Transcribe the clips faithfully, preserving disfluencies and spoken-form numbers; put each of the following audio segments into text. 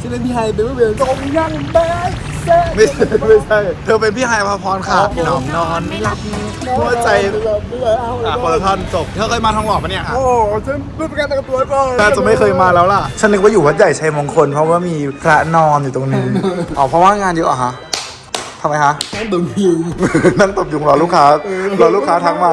ฉันเป็นพี่ไฮเป็นผู้เบียร์ตรงยังแบดแซ่ไม่ใช่ไม่ใช่เธอเป็นพี่ไฮพาพรค่ะหนอมนอนไม่หลับหัวใจไม่หลับไม่หลับเอาอ่ะคนละท่อนจบเธอเคยมาทองหล่อปะเนี่ยโอ้ฉันเพิ่งประกันตัวก่อนน่าจะไม่เคยมาแล้วล่ะฉันนึกว่าอยู่วัดใหญ่ชัยมงคลเพราะว่ามีพระนอนอยู่ตรงนี้อ๋อเพราะว่างานเยอะเหรอฮะทำไมฮะนั่งดมพิวนั่งตบยุงรอลูกค้ารอลูกค้าทักมา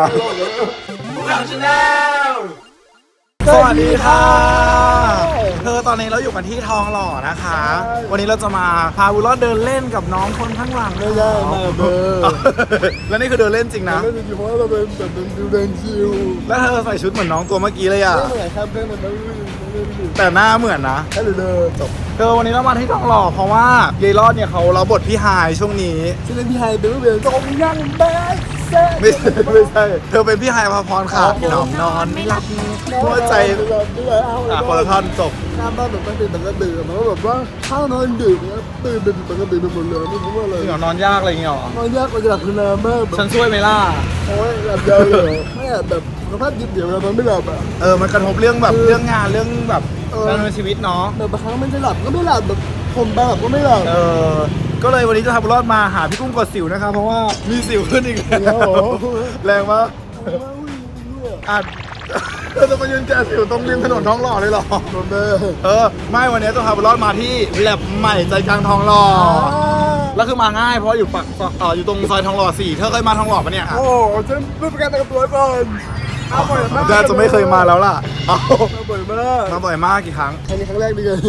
สวัสดีค่ะเธอตอนนี้เราอยู่กันที่ทองหล่อนะคะ วันนี้เราจะมาพาบุญรอดเดินเล่นกับน้องคนข้างหลังไม่ได้มาเบอร์แล้วนี่คือเดินเล่นจริงนะเล่นจริงๆเพราะว่าเราเป็นแบบเป็นดูเดินชิวแล้วเธอใส่ชุดเหมือนน้องตัวเมื่อกี้เลยอ่ะไม่เหมือนครับเพื่อนมันไม่รู้ไม่รู้แต่หน้าเหมือนนะแค่เดินจบเธอวันนี้เรามาที่ทองหล่อเพราะว่ายายรอดเนี่ยเขาเราบทพี่ไฮช่วงนี้ฉันเป็นพี่ไฮเป็นผู้เบียร์ตรงยังแบดแซ่ไม่ใช่ไม่ใช่เธอเป็นพี่ไฮพาพรค่ะหนอมนอนไม่หลับหัวใจไม่หลับไม่หลับเอาอ่ะคนละท่อนจบหน้าบ้านแบบมันเป็นปกติมันก็แบบว่าข้าวนอนดึกนะตื่นเป็นปกติไปหมดเลยไม่รู้ว่าอะไรจริงเหรอนอนยากอะไรอย่างเงี้ยหรอนอนยากกว่าจะหลับคือนานมากฉันช่วยไหมล่ะโอ้ยหลับยาวเลยไม่แบบสุขภาพจิตเดี๋ยวเรานอนไม่หลับอ่ะเออมันกระทบเรื่องแบบเรื่องงานเรื่องแบบเออการดำเนินชีวิตเนาะแบบบางครั้งมันจะหลับก็ไม่หลับแบบผมบ้าก็ไม่หลับเออก็เลยวันนี้จะทำบุญรอดมาหาพี่กุ้งกดสิวนะครับเพราะว่ามีสิวขึ้นอีกแล้วแรงมากอ่ะเธอจะมายืนแจสิวตรงริมถนนทองหล่อเลยเหรอโดนเบอเออไม่วันนี้จะพาบุญรอดมาที่แลบใหม่ใจกลางทองหล่อแล้วคือมาง่ายเพราะอยู่ปักเอออยู่ตรงซอยทองหล่อสี่เธอเคยมาทองหล่อปะเนี่ยโอ้ฉันเพิ่งประกันตัวก่อนมาบ่อยมากน่าจะไม่เคยมาแล้วล่ะเอามาบ่อยมากมาบ่อยมากกี่ครั้งครั้งนี้ครั้งแรกดีเลย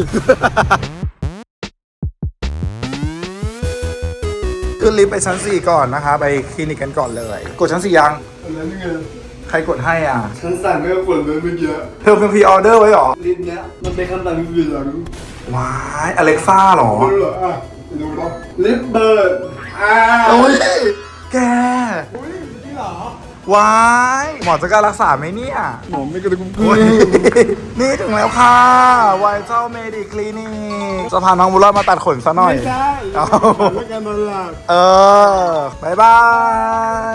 ขึ้นลิฟต์ไปชั้นสี่ก่อนนะคะไปคลินิกกันก่อนเลย กดชั้นสี่ยังอันนั้นไงใครกดให้อ่ะฉันสั่งไม่กดเลยเมื่อกี้เธอเป็นพรีออเดอร์ไว้เหรอลิ้นเนี้ยมันเป็นคำสั่งเสียงว้ายอเล็กซ่าหรอไม่รู้เหรออ่ะดูนะลิปเบิร์ดอ่าโอ้ยแกอุ้ยนี่เหรอว้ายหมอจะกล้ารักษาไหมเนี่ยหมอไม่กระดุมโอ้ยนี่ถึงแล้วค่ะไวเจ้าเมดิคลินิกจะพาน้องบุญรอดมาตัดขนซะหน่อยไม่ใช่เอาเรื่องการนอนหลับเออบายบาย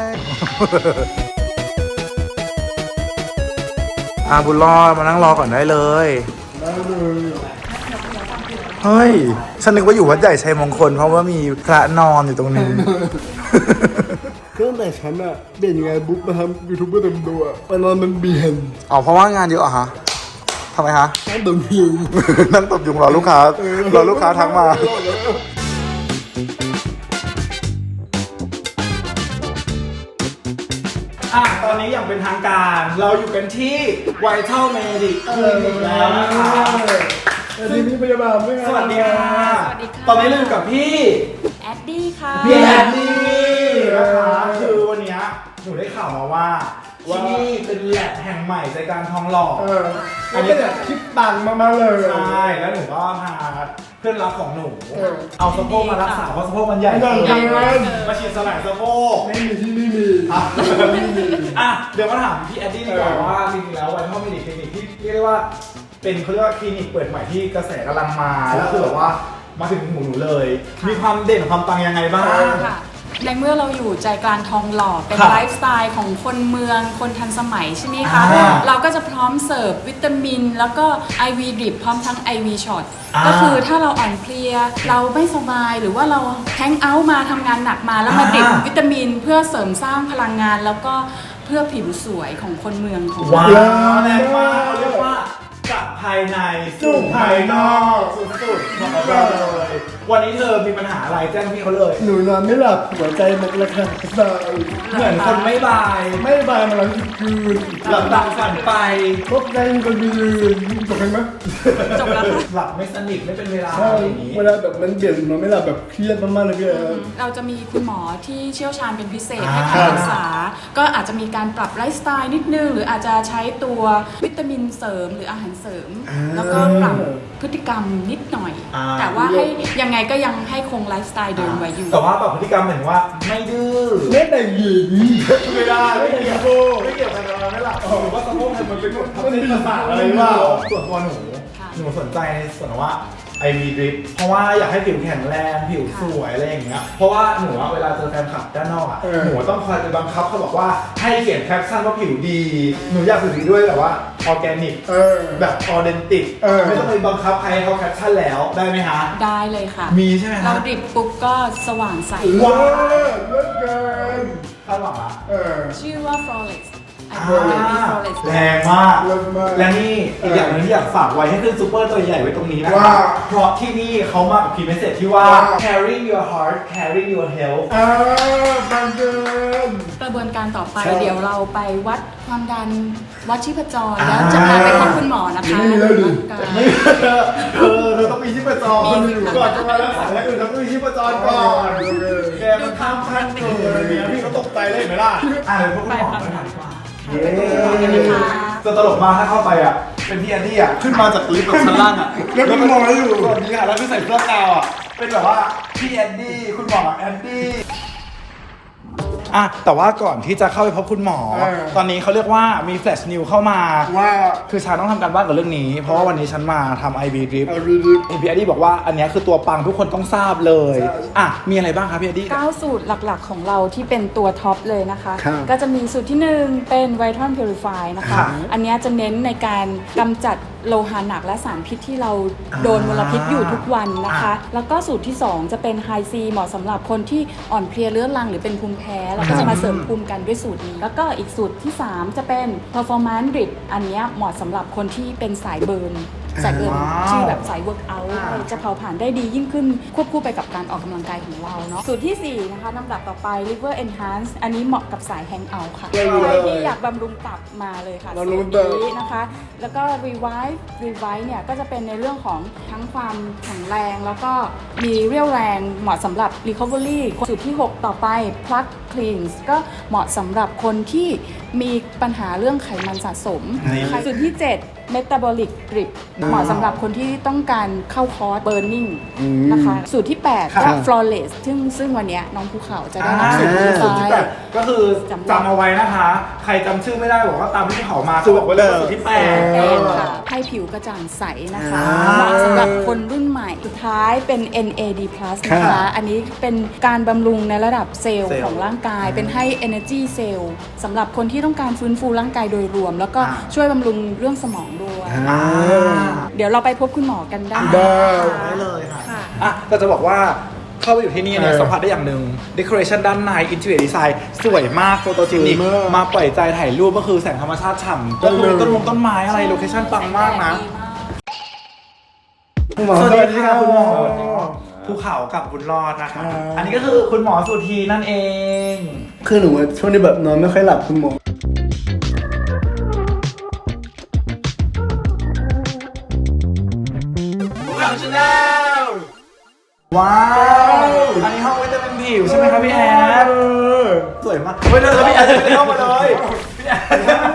อาบุญรอดมานั่งรอก่อนได้เลยได้เลยเฮ้ย ฉันนึกว่าอยู่วัดใหญ่ชัยมงคลเพราะว่ามีพระนอนอยู่ตรงนี้เครื่องแต่ฉันอะเด่นยังไงบุ๊กมาทำยูทูบเบอร์เต็มตัวมันนอนมันเบียนอ๋อเพราะว่างานเยอะเหรอฮะทำไมฮะนั่งดมพิวนั่งตบยุงรอลูกค้ารอลูกค้าทักมา อ่ะตอนนี้อย่างเป็นทางการเราอยู่กันที่ไวท์เทิลเมดิคลินิกแล้วนะคะสวัสดีพี่พยาบาลด้วยสวัสดีค่ะสวัสดีค่ะตอนนี้เราอยู่กับพี่แอดดี้ค่ะพี่แอนนี่นะคะคือวันเนี้ยหนูได้ข่าวมาว่าที่นี่เป็นแลบแห่งใหม่ใจกลางทองหล่อเอออันนี้แบบคิดตังค์มากๆเลยใช่แล้วหนูก็พาเพื่อนรักของหนูเออเอาสะโพกมารักษาเพราะสะโพกมันใหญ่ไม่ได้เกินไม่ได้มาฉีดสลายสะโพกไม่มีที่นี่มีอ่ะอ่ะเดี๋ยวมาถามพี่แอดดี้ดีกว่าว่าจริงๆแล้วไวท์เทิลเมดิคลินิกที่เรียกได้ว่าเป็นเขาเรียกว่าคลินิกเปิดใหม่ที่กระแสกำลังมาแล้วคือแบบว่ามาถึงหูหนูเลย มีความเด่นความปังยังไงบ้างค่ะในเมื่อเราอยู่ใจกลางทองหล่อเป็นครับไลฟ์สไตล์ของคนเมืองคนทันสมัยใช่ไหมคะอ่าเราก็จะพร้อมเสิร์ฟวิตามิน แล้วก็ ไอ วี drip พร้อมทั้ง ไอ วี ช็อตอ่าก็คือถ้าเราอ่อนเพลีย เราไม่สบายหรือว่าเราแฮงเอาท์มาทำงานหนักมาแล้วมาดริปวิตามินเพื่อเสริมสร้างพลังงาน แล้วก็เพื่อผิวสวยของคนเมืองของเราว้าวแรงมากเขาเรียกว่าจากภายในสู่ภายนอกสุดๆบอกเราเลยวันนี้เธอมีปัญหาอะไรแจ้งพี่เขาเลยหนูนอนไม่หลับหัวใจมันระคายเคืองเหมือนคนไม่บายไม่บายมาแล้วคืนหลับตาฝันไปพบใจคนยืนจบกันไหมจบแล้วค่ะหลับไม่สนิทไม่เป็นเวลาใช่อย่างนี้เวลาแบบมันเบียดนอนไม่หลับแบบเครียดมากๆเลยพี่แอฟเราจะมีคุณหมอที่เชี่ยวชาญเป็นพิเศษอ่าให้คำปรึกษา ก็อาจจะมีการปรับไลฟ์สไตล์นิดนึง หรืออาจจะใช้ตัววิตามินเสริมหรืออาหารเสริม แล้วก็ปรับพฤติกรรมนิดหน่อยอ่าแต่ว่าให้ยังไงก็ยังให้คงไลฟ์สไตล์เดิมไว้อยู่แต่ว่าแบบพฤติกรรมเหมือนว่าไม่ดื้อไม่แต่งหญิงไม่ได้ไม่เกี่ยวไม่เกี่ยวกันเราไม่หลับหรือว่าสะโพกเธอมันเป็นหมดทับเส้นประสาทอะไรหรือเปล่าส่วนตัวหนูค่ะหนูสนใจในส่วนว่า ไอ วี drip เพราะว่าอยากให้ผิวแข็งแรงผิวสวยอะไรอย่างเงี้ยเพราะว่าหนูอะเวลาเจอแฟนคลับด้านนอกอะหนูต้องคอยไปบังคับเขาบอกว่าให้เขียนแคปชั่นว่าผิวดีหนูอยากผิวดีด้วยแต่ว่าออร์แกนิกเออแบบออเดนติกเออไม่ต้องไปบังคับใครให้เขาแคปชั่นแล้วได้ไหมฮะได้เลยค่ะมีใช่ไหมเราฮะดริปปุ๊บก็สว่างใสว้าวเลิศเกินคาดหวังละเออชื่อว่า flawless อ่า Baby flawless แรงมากเลิศมากและนี่อีกอย่างหนึงที่อยากฝากไว้ให้ขึ้นซูเปอร์ตัวใหญ่ไว้ตรงนี้นะว่าเพราะที่นี่เขามากับพรีเมสเซจที่ว่าว่า carrying your heart carrying your health อ่าบังเกินกระบวนการต่อไปใช่เดี๋ยวเราไปวัดความดันวัดชีพจรอ่าแล้วจะพาไปพบคุณหมอนะคะนี่เลยดิไม่เธอเธอเธอต้องมีชีพจรมีค่ะก่อนจะมารักษาอย่างอื่นต้องมีชีพจรก่อนแกมันข้ามขั้นเกินอะไรเงี้ยพี่ก็ตกใจเลยเห็นไหมล่ะอ่ะเดี๋ยวพวกคุณหมอไปถามดีกว่าเย้จะตลกมากถ้าเข้าไปอ่ะเป็นพี่แอนดี้อ่ะขึ้นมาจากลิฟต์แบบชั้นล่างอ่ะแล้วเป็นหมออยู่สวัสดีค่ะแล้วคือใส่เสื้อกาวอ่ะเป็นแบบว่าพี่แอนดี้คุณหมอแอนดี้อ่ะแต่ว่าก่อนที่จะเข้าไปพบคุณหมอเออตอนนี้เขาเรียกว่ามีแฟลชนิวเข้ามาว่าคือฉันต้องทำการบ้านกับเรื่องนี้ เพราะว่าวันนี้ฉันมาทำ ไอ บี drip เอาดีดีพี่แอดดี้บอกว่าอันเนี้ยคือตัวปังทุกคนต้องทราบเลยใช่อ่ะ มีอะไรบ้างครับพี่แอดดี้เก้าสูตรหลักๆของเราที่เป็นตัวท็อปเลยนะคะครับก็จะมีสูตรที่หนึ่งเป็น Viton Purify นะคะครับอันเนี้ยจะเน้นในการกำจัดโลหะหนักและสารพิษที่เราโดนมลพิษอยู่ทุกวันนะคะ แล้วก็สูตรที่ สอง จะเป็น High C เหมาะสำหรับคนที่อ่อนเพลียเรื้อรังหรือเป็นภูมิแพ้เราก็จะมาเสริมภูมิกันด้วยสูตรนี้ แล้วก็อีกสูตรที่ สาม จะเป็น Performance Drip อันเนี้ยเหมาะสำหรับคนที่เป็นสายเบิร์นสายเบิร์นว้าวที่แบบสาย work out จะเผาผลาญได้ดียิ่งขึ้นควบคู่ไปกับการออกกำลังกายของเราเนาะสูตรที่ สี่ นะคะลำดับต่อไป Liver Enhance อันนี้เหมาะกับสาย Hangout ค่ะได้เลยใครที่อยากบำรุงตับมาเลยค่ะบำรุงสูตัตบรนี้นะคะ แล้วก็ Revive Revive เนี่ยก็จะเป็นในเรื่องของทั้งความแข็งแรง แล้วก็มีเรี่ยวแรงเหมาะสำหรับ Recovery สูตรที่ หก ต่อไป Plug Cleanse ก็เหมาะสำหรับคนที่มีปัญหาเรื่องไขมันสะสมนี่สูตรที่ เจ็ด Metabolic Drip เหมาะสำหรับคนที่ต้องการเข้าคอร์ส Burning อืมนะคะ สูตรที่ แปดครัก็บ Flawless ซึ่งซึ่งวันเนี้ยน้องภูเขาจะได้อ่ารับสูตรนี้สูตรที่ไปแปดก็คือจำได้จำเอาไว้นะคะ ใครจำชื่อไม่ได้บอกว่าตามที่เขามาเขาบอกไว้เลยว่าสูตรที่แปดแป้เอง อค่ะให้ผิวกระจ่างใสนะคะอ่าเหมาะสำหรับคนรุ่นใหม่ สุดท้ายเป็น เอ็น เอ ดี plus นะครัคะบอันนี้เป็นการบำรุงในระดับเซลล์เซลล์ของร่างกาย เป็นให้ energy cell สำหรับคนที่ต้องการฟื้นฟูร่างกายโดยรวม แล้วก็อ่าช่วยบำรุงเรื่องสมองด้วยอ่าเดี๋ยวเราไปพบคุณหมอกันได้ได้ได้เลยค่ะค่ะอ่ะแต่จะบอกว่าเข้าไปอยู่ที่นี่เนี่ยเออสัมผัสได้อย่างหนึ่ง decoration ด้านใน interior design สวยมากโฟโตจินิกสวยมากมาปล่อยใจถ่ายรูปก็คือแสงธรรมชาติฉ่ำก็คือต้นมงต้นไม้อะไรโลเคชั่นปังมากนะคุณหมอสวัสดีค่ะคุณหมอสวัสดีครับภูเขากับคุณรอดนะคะอ่าอันนี้ก็คือคุณหมอสุธีนั่นเองคือหนูว่าช่วงนี้แบบนอนไม่ค่อยหลับคุณหมอว้าว อันนี้ห้องวิตามินผิวใช่ไหมครับพี่แอดสวยมากเฮ้ยเดี๋ยวพี่แอดไม่ได้เข้ามาเลยพี่แอด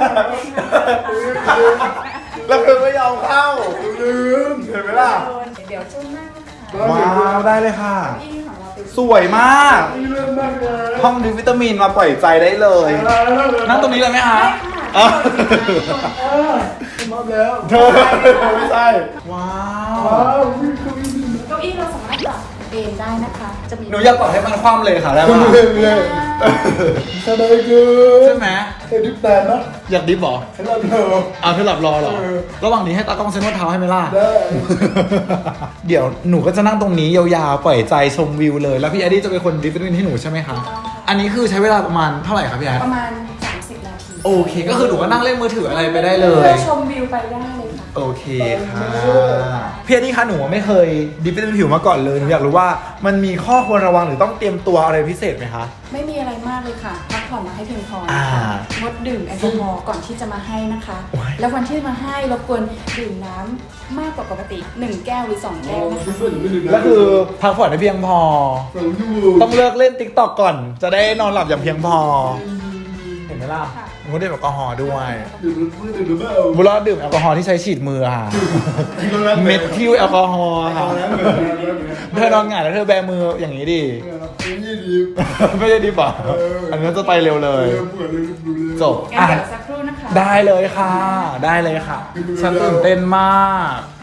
แล้วเธอไม่ยอมเข้าลืมเห็นไหมล่ะเดี๋ยวช่วงหน้านะคะว้าวได้เลยค่ะที่ของเราเป็นสวยมากนี่เรื่องมากเลยห้องดริปวิตามินมาปล่อยใจได้เลย นั่งตรงนี้เลยไหมคะได้ค่ะอ๋อมาแล้วเธอไม่ใช่ ว้าวว้าววิ่งเข้าวิ่งเก้าอี้เราสามารถปรับเอนได้นะคะ จะมีหนูอยากกดให้มันคว่ำเลยค่ะได้ไหมเข้าเลยเลยสบายเกินใช่ไหมเอ็ดิบแตนนะอยากดิฟเหรอให้เราเถอะเอาเธอหลับรอเหรอเออระหว่างนี้ให้ตากล้องเซ็นว่าเท้าให้ไหมล่ะได้เดี๋ยวหนูก็จะนั่งตรงนี้ยาวๆ ปล่อยใจชมวิวเลย แล้วพี่แอดดี้จะเป็นคนดริฟต์ให้หนูใช่ไหมคะ อันนี้คือใช้เวลาประมาณเท่าไหร่ครับพี่แอดประมาณ สามสิบ นาทีโอเค ก็คือหนูก็นั่งเล่นมือถืออะไรไปได้เลเพื่ยอชมวิวไปได้เลยค่ะโอเคค่ะพี่แอดดี้คะหนูไม่เคยดริฟต์ผิวมาก่อนเลย หนูอยากรู้ว่ามันมีข้อควรระวังหรือต้องเตรียมตัวอะไรพิเศษไหมคะไม่มีอะไรมากเลยค่ะ พักผ่อนมาให้เพียงพออ่านะคะงดดื่มแอลกอฮอล์ก่อนที่จะมาให้นะคะโอ้ยแล้ววันที่มาให้รบกวนดื่มน้ำมากกว่าปกติ หนึ่ง แก้วหรือ สอง แก้วนะคะแล้วคือพักผ่อนให้เพียงพอสองชั่วโมงต้องเลิกเล่นติ๊กต็อกก่อน จะได้นอนหลับอย่างเพียงพอ เห็นไหมล่ะค่ะหนูก็ดื่มแอลกอฮอล์ด้วยดื่มมือดื่มเปล่าบุรอดดื่มแอลกอฮอล์ที่ใช้ฉีดมือค่ะ เม็ดทิวแอลกอฮอล์ค่ะ เธอนอนหงายแล้วเธอแบมืออย่างนี้ดินี่ดีไม่ได้ดิบอ่ะเอออัอันนี้จะไปเร็วเลยเปิดเลยดูเลยจบงั้นอ่ะเดี๋ยวสักครู่นะคะได้เลยค่ะ ได้เลยค่ะ ฉันตื่นเต้นมาก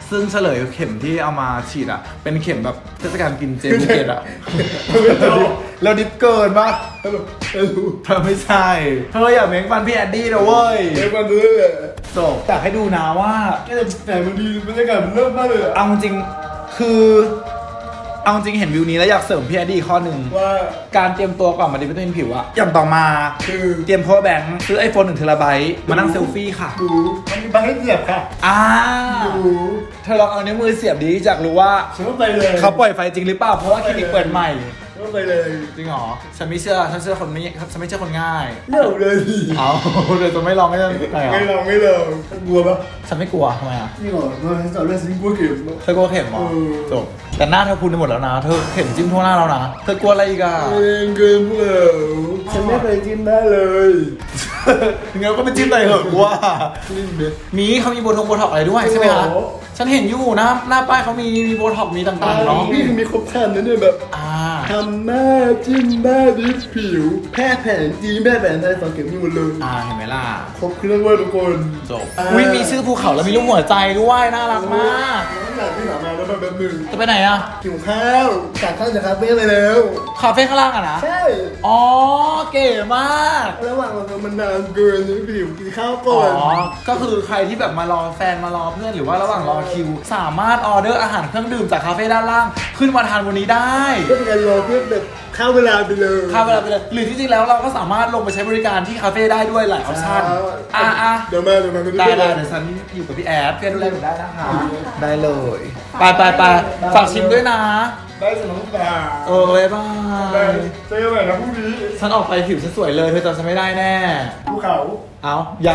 ซึ่งเฉลยเข็มที่เอามาฉีดอ่ะเป็นเข็มแบบเทศกาลกินเจภูเก็ตอ่ะเราดิบเกินปะเออเออเธอไม่ใช่เธออย่าเม้งฟันพี่แอดดี้นะเว้ยเออมันเลยแหละจบอยากให้ดูนะว่าแต่มันดีบรรยากาศมันเริ่มมากเลยอะเอาจริงคือเอาจริงเห็นวิวนี้แล้วอยากเสริมพี่แอดดี้ข้อหนึ่งว่าการเตรียมตัวก่อนมาดีวิตามินผิวอะอย่างต่อมาคือเตรียม power bank ซื้อ iPhone หนึ่งเทราไบต์มานั่งเซลฟี่ค่ะดูมันมีบางให้เสียบค่ะอ่าดูเธอลองเอานิ้วมือเสียบดีอยากรู้ว่าฉันก็ไปเลยเขาปล่อยไฟจริงหรือเปล่าเพราะว่าคลินิกเปิดใหม่ฉันก็ไปเลยจริงเหรอฉันไม่เชื่อฉันเชื่อคนไม่ฉันไม่เชื่อคนง่ายเร็วเลยเอาเดี๋ยวจะไม่ลองไม่ได้ไหนไม่ลอ่ะองไม่ลองกลัวปะฉันไม่กลัวทำไมอ่ะนี่หรอฉันจะเล่นซิงกลัวเก็บเนอะเธอกลัวเข็มเหรอเออจบแต่หน้าเธอพูนไปหมดแล้วนะเธอเข็มจิ้มทั่วหน้าแล้วนะเธอกลัวอะไรอีกอ่ะเองเกินพวกเราฉันไม่เคยจิ้มได้เลยงั้นก็ไปจิ้มอะไรเหอะกูว่าจิ้มเด็ดมีเขามีโบทงโบท็อกอะไรด้วยใช่ไหมคะโอ้โหฉันเห็นอยู่หน้าหน้าป้ายเขามีมีโบท็อกมีต่างๆเนาะนี่มีครบครันนะเนี่ยแบบอ่าทำหน้าจิ้มหน้าดิฟผิว แพทย์แผนจีนแพทย์แผนไทยสองเข็มมีหมดเลยอ่าเห็นไหมล่ะครบเครื่องเว่าทุกคนจบอ่าอุ้ยมีชื่อภูเขาแล้วมีรูปหัวใจด้วยน่ารักมากน้องอยากที่สามมาแล้วแบบหนึ่งจะไปไหนอ่ะหิวข้าวจากข้าวจากคาเฟ่เลยแล้วคาเฟ่ข้างล่างอ่ะนะใช่อ๋อเก๋มากระหว่างเรามันนานเกินนะผิวกินข้าวก่อ๋ออน ก็คือใครที่แบบมารอแฟนมารอเพื่อนหรือว่าระหว่างรอคิว สามารถออเดอร์อาหารเครื่องดื่มจากคาเฟ่ด้านล่าง ขึ้นมาทานวันนี้ได้เพื่อเป็นการรอเพื่อแบบข้าวเวลาไปเลยค่าเวลาไปเลยหรือที่จริงแล้วเราก็สามารถลงไปใช้บริการที่คาเฟ่ได้ด้วยหลายออปชั่นอ่ะอ่ะเดี๋ยวมาเดี๋ยวมาได้ได้เดี๋ยวฉันอยู่กับพี่แอดเพื่อนดูแลหนูได้นะคะ ได้เลย ไปไปไปฝากชิมด้วยนะได้สมองตาเออบ๊ายบาได้ยเจอกันใหม่นะพรุ่งนี้ฉันออกไปผิวฉันสวยเลยเธอจำฉันไม่ได้แน่ภูเขาเอายัง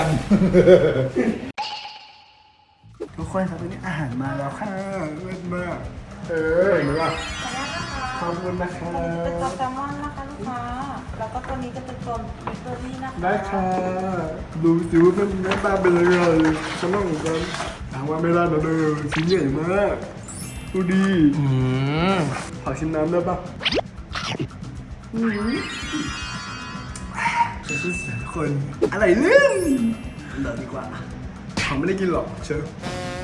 ทุกคนครับวันนี้อาหารมาแล้วค่ะเลิศมากเออเห็นไหมล่ะขอบคุณนะคะเป็นตัวแซลมอนนะคะลูกค้า แล้วก็ตัวนี้จะเป็นตัวมิเบอรี่นะคะได้ค่ะดูสิว่าเป็นหน้าตาเป็นยังไงฉันต้องเหมือนกันถามว่าไม่ได้นะเด้อชิ้นใหญ่มากดูดีอืมขอชิมน้ำได้ปะอืมจะชื่อเสียทุกคนอะไรเรื่องเดี๋ยวดีกว่าเขาไม่ได้กินหรอกเชิญ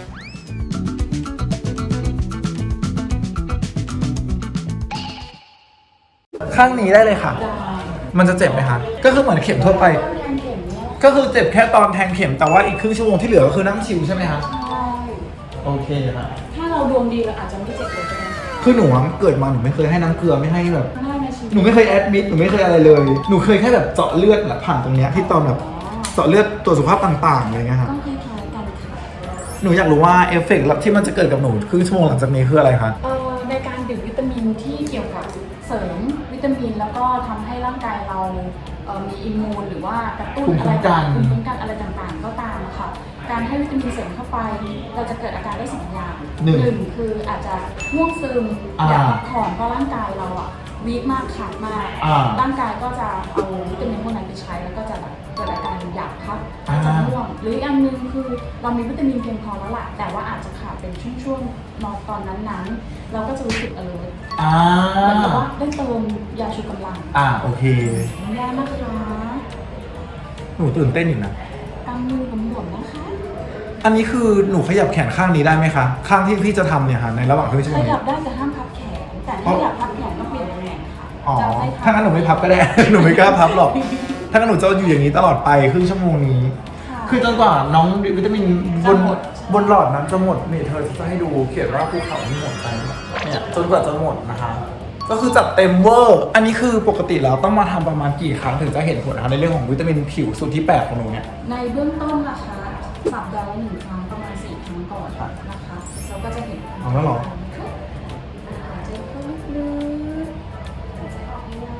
ข้างนี้ได้เลยค่ะ มันจะเจ็บไหมคะ ก็คือเหมือนเข็มทั่วไป ก็คือเจ็บแค่ตอนแทงเข็ม แต่ว่าอีกครึ่งชั่วโมงที่เหลือก็คือนั่งชิลใช่ไหมคะใช่โอเคค่ะถ้าเราดวงดีเราอาจจะไม่เจ็บเลยก็ได้คือหนูอะเกิดมาหนูไม่เคยให้น้ำเกลือไม่ให้แบบได้ในชีวิตหนูไม่เคยแอดมิดหนูไม่เคยอะไรเลย หนูเคยแค่แบบเจาะเลือดแบบผ่านตรงเนี้ยที่ตอนแบบเจาะเลือดตรวจสุขภาพต่างๆอะไรเงี้ยครับก็คล้ายๆกันค่ะหนูอยากรู้ว่าเอฟเฟกต์ที่มันจะเกิดกับหนูครึ่งชั่วโมงหลังจากนี้คืออะไรคะเอ่อในการดื่มวิตามินที่เกี่ยวกับเสริมวิตามินแล้วก็ทำให้ร่างกายเราเอ่อมีอิมมูนหรือว่ากระตุ้นภูมิอะคุ้ไรมกันภูมิคุ้มกันอะไรต่างๆ ก็ตามอะค่ะการให้วิตามินเสริมเข้าไป เราจะเกิดอาการได้สองอย่างหนึ่งคืออาจจะง่วงซึมอ่าอยากพักผ่อนเพราะร่างกายเราอะวีคมากขาดมากอ่าร่างกายก็จะเอาวิตามินพวกนั้นไปใช้แล้วก็จะแบบเกิดอาการอยากพักอาจจะอ่าง่วงหรืออีกอันหนึงคือเรามีวิตามินเพียงพอแล้วล่ะแต่ว่าอาจจะขาดเป็นช่วงๆนอนตอนนั้นๆ เราก็จะรู้สึก alert อ่าเหมือนกับว่าได้เติมยาชูกำลังอ่าโอเคไม่ได้นะคะหนูตื่นเต้นอยู่นะกำมือกำหนดนะคะอันนี้คือหนูขยับแขนข้างนี้ได้ไหมคะ ข้างที่พี่จะทำเนี่ยค่ะในระหว่างครึ่งชั่วขโมงยันี้บได้แต่ห้ามพับแขน แต่ถ้าอยากพับแขนต้องเปลี่ยนตำแหน่งค่ะอ๋อจะให้ถ้างั้นหนูไม่พับก็ได้ หนูไม่กล้าพับหรอก ถ้างั้นหนูจะอยู่อย่างนี้ตลอดไปครึ่งชั่วโมงนี้ค่ะคือจนกว่าน้องวิตามินบนจะหมดบนหลอดนั้นจะหมดนี่เธอจะให้ดูเขียนว่าภูเขาที่หมดไปเนี่ยจนกว่าจะหมดนะคะ ก็คือจัดเต็มเวอร์ อันนี้คือปกติแล้วต้องมาทำประมาณกี่ครั้งถึงจะเห็นผลนะคะในเรื่องของวิตามินผิวสูตรที่แปดของหนูเนี่ยในเบื้องต้นนะคะสัปดาห์ละหนึ่งครั้งประมาณสี่ครั้งก่อนนะคะเราก็จะเห็นเอาแล้วเหรอหายใจเข้าลึกๆหายใจออกยาว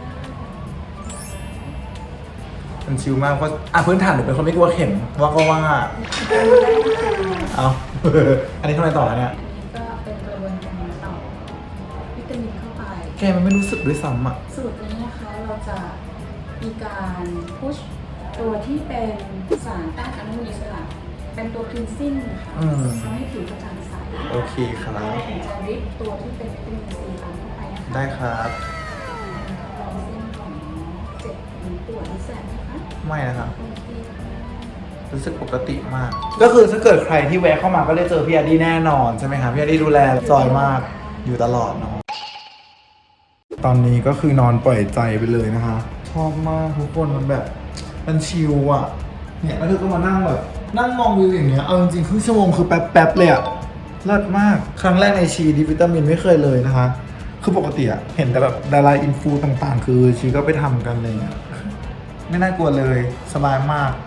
ๆมันชิลมากเพราะอ่ะพื้นฐานหนูเป็นคนไม่กลัวเข็มว่าก็ว่า เอา อันนี้ทำอะไรต่อแล้วเนี่ยอันนี้ก็เป็นกระบวนการต่อวิตามินเข้าไปแกมันไม่รู้สึกด้วยซ้ำอ่ะสูตรนี้นะคะเราจะมีการพุชตัวที่เป็นสารต้านอนุมูลอิสระเป็นตัวคลีนซิ่งนะคะอืมทำให้ผิวกระจ่างใสโอเคครับเราถึงจะริบตัวที่เป็นวิตามินซีตามเข้าไปนะคะได้ครับลองเส้นของเจ็บหรือปวดหรือแสบนะคะไม่นะครับโอเคค่ะรู้สึกปกติมาก ก็คือถ้าเกิดใครที่แวะเข้ามาก็ได้เจอพี่แอดดี้แน่นอนใช่ไหมครับพี่แอดดี้ดูแลจอยมากอยู่ตลอดเนาะตอนนี้ก็คือนอนปล่อยใจไปเลยนะคะชอบมากทุกคนมันแบบมันชิลอ่ะเนี่ยแล้วเธอก็มานั่งแบบนั่งมองวิวอย่างเงี้ยเอาจริงๆครึ่งชั่วโมงคือแป๊บๆเลยอ่ะเลิศมากครั้งแรกในชีดีวิตามินไม่เคยเลยนะคะคือปกติอะเห็นแต่แบบดาราอินฟูต่างๆ คือชีก็ไปทำกันเลยอะไม่น่ากลัวเลยสบายมาก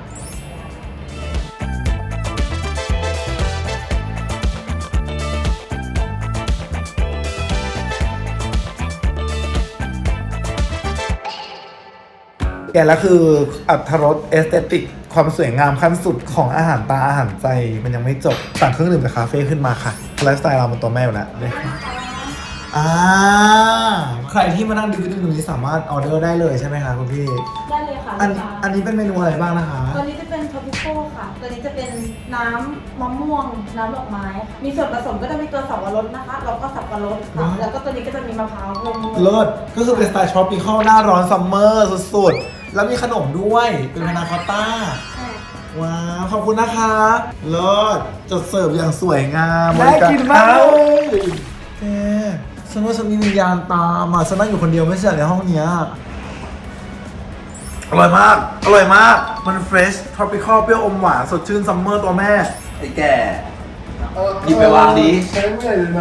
แกแล้วคืออัตรรสเอสเตติกความสวยงามขั้นสุดของอาหารตาอาหารใจมันยังไม่จบสั่งเครื่องดื่มจากคาเฟ่ขึ้นมาค่ะไลฟ์สไตล์เรามันตัวแม่อยู่แล้วเลยอ่าใครที่มานั่งดูวิดีโอนี้สามารถออเดอร์ได้เลยใช่ไหมคะคุณพี่ได้เลยค่ะอันลูกค้าอันนี้เป็นเมนูอะไรบ้างนะคะตัวนี้จะเป็นทอปิโก้ค่ะ ตัวนี้จะเป็นน้ำมะม่วง น้ำดอกไม้ มีส่วนผสมก็จะมีตัวสับปะรดนะคะ แล้วก็สับปะรดค่ะ แล้วก็ตัวนี้ก็จะมีมะพร้าวรวมเลิศก็คือเป็นสไตล์ทรอปิคอลหน้าร้อนซัมเมอร์สุดๆ แล้วมีขนมด้วยเป็นพานาคอตต้าใช่ว้าว ขอบคุณนะคะเลิศจดเสิร์ฟอย่างสวยงามน่ากินมากเลยแกฉันว่าฉันมีวิญญาณตามอ่ะฉันนั่งอยู่คนเดียวไม่ใช่เหรอในห้องเนี้ยอร่อยมาก อร่อยมาก มันเฟรชทรอปิคอลเปรี้ยวอมหวานสดชื่นซัมเมอร์ตัวแม่ไอ้แก่หยิบไปวางดิใช้ไม่ได้เลยนะ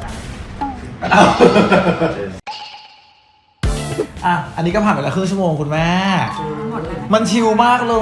อ่ะ อันนี้ก็ผ่านไปแล้วครึ่งชั่วโมงคุณแม่หมดแล้วนะมันชิลมากเลย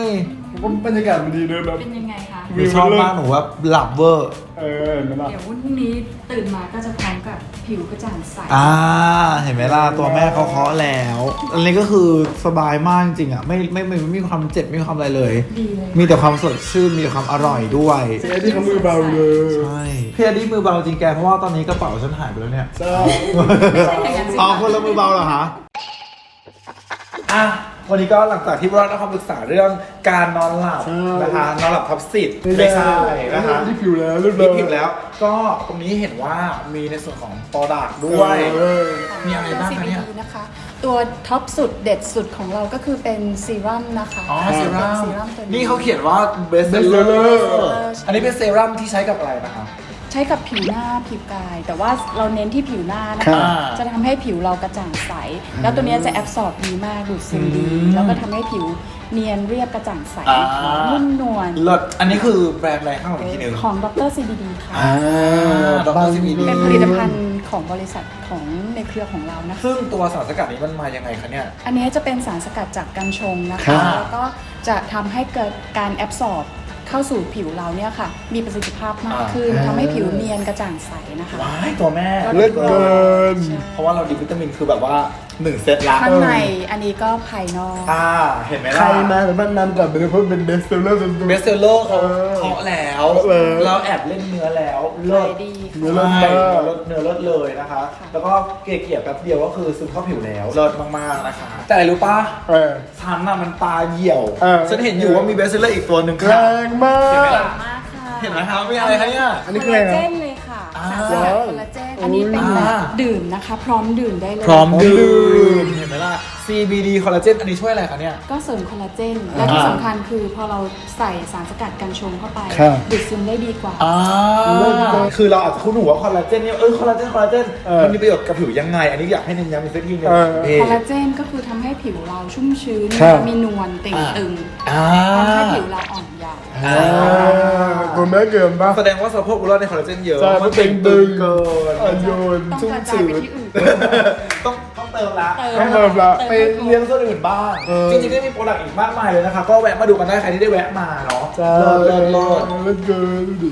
ผมว่าบรรยากาศมันดีเลยแบบเป็นยังไงคะหนูชอบมากหนูว่าหลับเวอร์เออเห็นไหมล่ะเดี๋ยวพรุ่งนี้ตื่นมาก็จะพร้อมกับผิวกระจ่างใสอ่า เห็นไหมล่ะ ตัวแม่เขาเคาะแล้ว อันนี้ก็คือสบายมากจริงๆอ่ะ ไม่ไม่ไม่ไม่มีความเจ็บ ไม่มีความอะไรเลยดีเลยมีแต่ความสดชื่น มีแต่ความอร่อยด้วยเจ๊ที่เขามือเบาเลยใช่พี่อดี้มือเบาจริงแก เพราะว่าตอนนี้กระเป๋าฉันหายไปแล้วเนี่ยใช่ไม่ใช่อย่างนั้นสิอ๋อคนละมือเบาเหรอคะอ่ะวันนี้ก็หลังจากที่เราได้ความปรึกษาเรื่องการนอนหลับนะคะนอนหลับทับสิทธิ์ไม่ใช่นะคะที่ผิวแล้วเรียบร้รีอบ ยผิวแล้ว ก็ตรงนี้เห็นว่ามีในส่วนของโปรดักต์ด้วยเออมีอะไรบ้างคะเนี่ยซี บี ดี นะคะ ตัวท็อปสุดเด็ดสุดของเราก็คือเป็นซีรั่มนะคะอ๋อเซรั่มซีรั่มตัวนี้นี่เขาเขียนว่า best Best seller seller อันนี้เป็นเซรั่มที่ใช้กับอะไรนะคะใช้กับผิวหน้าผิวกาย แต่ว่าเราเน้นที่ผิวหน้านะครัคะบจะทำให้ผิวเรากระจ่างใส แล้วตัวเนี้ยจะแอบสอบดีมากดูดซึมดีอืมแล้วก็ทำให้ผิวเนียนเรียบกระจ่างใสอ่านุ่มนวลเลิศอันนี้คือแบรนด์อะไรข้างหลังอีกทีหนึ่งของดร ซี บี ดี ค่ะอ่าดร ซี บี ดีเป็นผลิตภัณฑ์ของบริษัทของในเครือของเรานะคะซึ่งตัวสารสกัดนี้มันมายังไงคะเนี่ยอันนี้จะเป็นสารสกัดจากกัญชงนะครัคะบแล้วก็จะทำให้เกิดการแอบสอบเข้าสู่ผิวเราเนี่ยค่ะ มีประสิทธิภาพมากขึ้นทำให้ผิวเนียนกระจ่างใสนะคะว้ายตัวแม่เลิศเกินใช่เพราะว่าเราดีวิตามินคือแบบว่าหนึ่งเซตละข้างในอันนี้ก็ภายนอกอ่าเห็นไหมใครล่ะมาแต่บ้านนั้นแต่เป็นเพราะเป็นเบสเซลเลอร์สุดๆเบสเซลเลอร์เขาเออเคาะแล้วเคาะแล้วเราแอบเล่นเนื้อแล้วขายดีเนื้อเลิเลิศศมามาก กเนื้อเลิศเลยนะคะ แล้วก็เกลี่ยๆแป๊บเดียวก็คือซึมเข้าผิวแล้วเลิศมากๆนะคะ แต่อะไรรู้ปะเออฉันน่ะมันตาเหี่ยวเออฉันเห็นอยู่ว่ามีเบสเซลเลอร์อีกตัวหนึ่งแรค่ะงมากเห็นไหมล่ะมากค่ะเห็นไหมคะมีอะไรคะเนี่ยอันนี้คืออะไรคอลลาเจนะนเลยค่ะอ่าสารสกัดคอลลาเจนอันนี้เป็นแบบอ่าดื่มนะคะ พร้อมดื่มได้เลยพร้อมดื่มเห็นไหมล่ะ ซี บี ดี คอลลาเจนอันนี้ช่วยอะไรคะเนี่ยก็เสริมคอลลาเจน และที่สำคัญคือพอเราใส่สารสกัดกัญชงเข้าไปครับดูดซึมได้ดีกว่าอ่าคือเราอาจจะคุ้นหูว่าคอลลาเจนเนี่ยเออคอลลาเจนคอลลาเจนเออมันมีประโยชน์กับผิวยังไง อันนี้อยากให้เน้นย้ำอีกสักทีหนึงเออนี่คอลลาเจนก็คือทำให้ผิวเราชุ่มชื้นครับมีนวลเต่งตึงอ่าทำให้ผิวเราอ่อนเยาว์อ่าตัวแม่เกินปะแสดงว่าสะโพกบุรุษในคอลลาเจนเยอะใช่มันเป็นตึงเกินอ่อนโยนต้องชุ่มกระจายชื้ไปนที่อื่นต้องต้องเติมละเติมต้องเติมละไปเลี้ยงส่วนอื่นบ้างเออจริงๆก็มีโปรดักต์อีกมากมายเลยนะคะ ก็แวะมาดูกันได้ใครที่ได้แวะมาเนาะใช่เลิศเลิศเลิศเลิศเกินดูดิ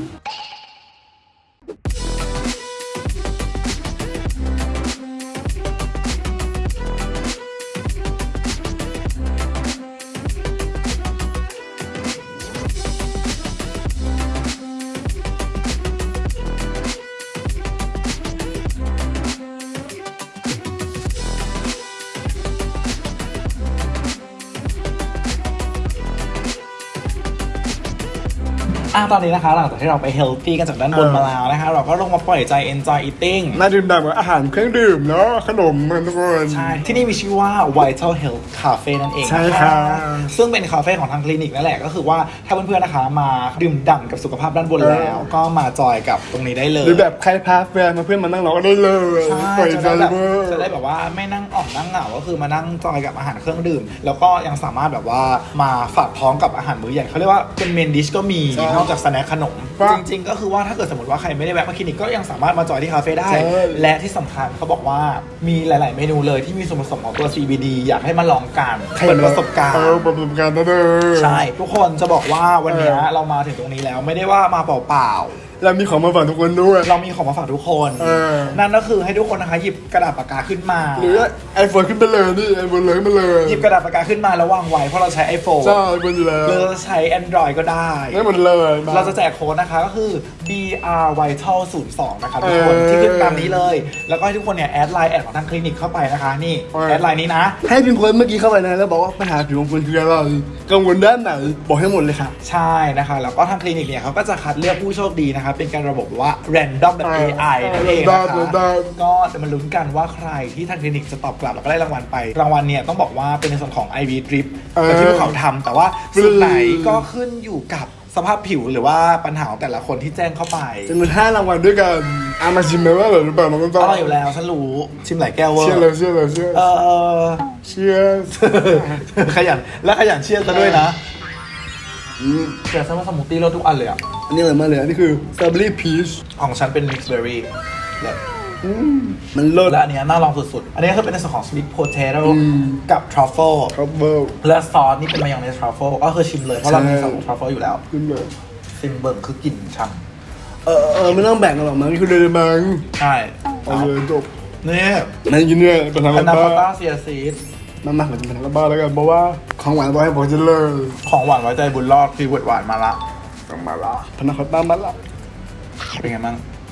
อ่ะตอนนี้นะคะหลังจากที่เราไปเฮลตี้กันจากด้านบนมาแล้วนะคะเราก็ลงมาปล่อยใจ enjoy eating น่าดื่มด่ำกับอาหารเครื่องดื่มเนาะขนมมันทุกคนใช่ ที่นี่มีชื่อว่า Vital Health Cafe นั่นเองใช่ครับซึ่งเป็นคาเฟ่ของทางคลินิกนั่นแหละก็คือว่าถ้าเพื่อนๆนะคะมาดื่มด่ำกับสุขภาพด้านบนแล้ว ก็มาจอยกับตรงนี้ได้เลยหรือแบบใครพาแฟนมาเพื่อนมานั่งรอก็ได้เลยใช่ปล่อยจะใจได้แบบเวอร์จะได้แบบว่าไม่นั่งอ่อมนั่งเหงาก็คือมานั่งจอยกับอาหารเครื่องดื่ม แล้วก็ยังสามารถแบบว่ามาฝากท้องกับอาหารมื้อใหญ่เขาเรียกว่าเป็นเมนดิชก็มีนอกจากสแน็คขนม จริงๆก็คือว่าถ้าเกิดสมมติว่าใครไม่ได้แวะมาคลินิกก็ยังสามารถมาจอยที่คาเฟ่ได้ และที่สำคัญเขาบอกว่ามีหลาย ๆ เมนูเลยที่มีส่วนผสมของตัว ซี บี ดี อยากให้มาลองกันเปิดประสบการณ์เออเปิดประสบการณ์นะเด้อใช่ ทุกคนจะบอกว่าวันนี้เรามาถึงตรงนี้แล้วไม่ได้ว่ามาเปล่าแล้วมีของมาฝากทุกคนด้วยๆเรามีของมาฝากทุกคนเออนั่นก็คือให้ทุกคนนะคะหยิบกระดาษปากกาขึ้นมาหรือไอโฟนขึ้นไปเลยนี่ไอโฟนเลยขึ้นมาเลยหยิบกระดาษปากกาขึ้นมาแล้ววางไว้เพราะเราใช้ iPhone ใช่ไอโฟนอยู่แล้วหรือเราใช้ Android ก็ได้ได้หมดเลยมเราจะแจกโค้ดนะคะก็คือ บี อาร์ Vital ศูนย์สองนะคะทุกคนเออที่ขึ้นตามนี้เลย แล้วก็ให้ทุกคนเนี่ยแอดไลน์แอดของทางคลินิกเข้าไปนะคะนี่เออแอดไลน์นี้นะให้พิมพ์โค้ดเมื่อกี้เข้าไปนะแล้วบอกว่าปัญหาผิวของคุณคืออะไรกังวลด้านไหนบอกให้หมดเลยค่ะใช่นะคะแล้วก็ทางคลินิกเนี่ยเขาก็จะคัดเลือกผู้โชคดีนะคะเป็นการระบบว่า random แบบ เอ ไอ นั่นเองนะคะ random ก็จะมาลุ้นกันว่าใครที่ทางคลินิกจะตอบกลับแล้วก็ได้รางวัลไป รางวัลเนี่ยต้องบอกว่าเป็นในส่วนของ ไอ วี Drip เออแต่ที่พวกเขาทำแต่ว่าสุดไหนฟรีก็ขึ้นอยู่กับสภาพผิวหรือว่าปัญหาของแต่ละคนที่แจ้งเข้าไปจำนวนห้ารางวัลด้วยกันอามาชิมไหมว่าอร่อยหรือเปล่าน้องต้นอร่อยอยู่แล้วฉันรู้ชิมหลายแก้วเวอร์เชื่อเลยเชื่อเลยเชื่อเออเชื่อขยันและขยันเชียร์ซะด้วยนะอืมเชียร์ซะว่าสมูทตี้รสทุกอันเลยอ่ะอันนี้อร่อยมากเลยอันนี้คือสตรอเบอรี่พีชของฉันเป็น mixed berry และมันเลิศและอันเนี้ยน่าลองสุดๆ อันนี้คือเป็นในส่วนของ sweet potato อืมกับ truffle ครับเบิร์และซอสนี่เป็นมายองเนส truffle ก็คือชิมเลยเพราะเรามีใช่ซอส truffle อยู่แล้วขึ้นเลยซิมเบิร์กคือกลิ่นช่เออเออไม่ต้องแบ่งกันหรอกมั้งนี่คือเดลิมังำใช่เอาเลยจบนี่นั่นกินเนี่ยเป็นทางอัลันบนาบ้าคอต้าเซียซีดมันมาเหมือนจะเป็นทางลับบ้าแล้วกันเพราะว่าของหวานบอกให้บอกจะเลยของหวานไว้ใจบุญรอดคือหวานมาละต้องมาละพนักคอต้ามาละเป็นไงบ้าง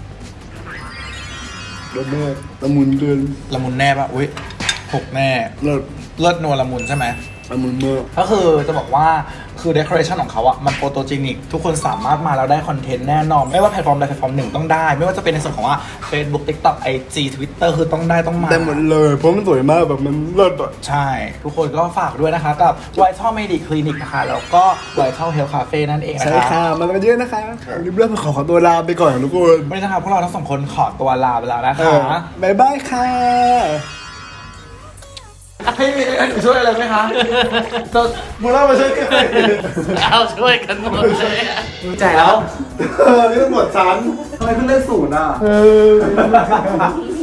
รสแม่ละมุนเกินละมุนแน่ปะอุ้ยหกแน่เลิศเลิศนัวละมุนใช่ไหมละมุนมากก็คือจะบอกว่าคือ decoration ของเขาอะมันโฟโตเจนิกทุกคนสามารถมาแล้วได้คอนเทนต์แน่นอน ไม่ว่าแพลตฟอร์มใดแพลตฟอร์มหนึ่งต้องได้ ไม่ว่าจะเป็นในส่วนของว่า Facebook TikTok ไอ จี Twitter คือต้องได้ต้องมาได้หมดเลยเพราะมันสวยมากแบบมันเลิศอ่ะใช่ ทุกคนก็ฝากด้วยนะคะ กับ Vital Medic Clinic นะคะ แล้วก็ Vital Health Cafe นั่นเองนะใช่คะค่ะมันกันเยอะนะคะรีบเริ่มขอขอตัวลาไปก่อนทุกคนวันนี้นะครับพวกเราทั้งสองคนขอตัวลาไปแล้วนะเอคะอบ๊ายบายค่ะให้มีให้หนูช่วยอะไรไหมคะจะมูล่ามาช่วยกันเอาช่วยกันหมดเลยอะจ่ายแล้วเออนี่ตำรวจฉันทำไมเพิ่งเล่นศูนย์อ่ะเออ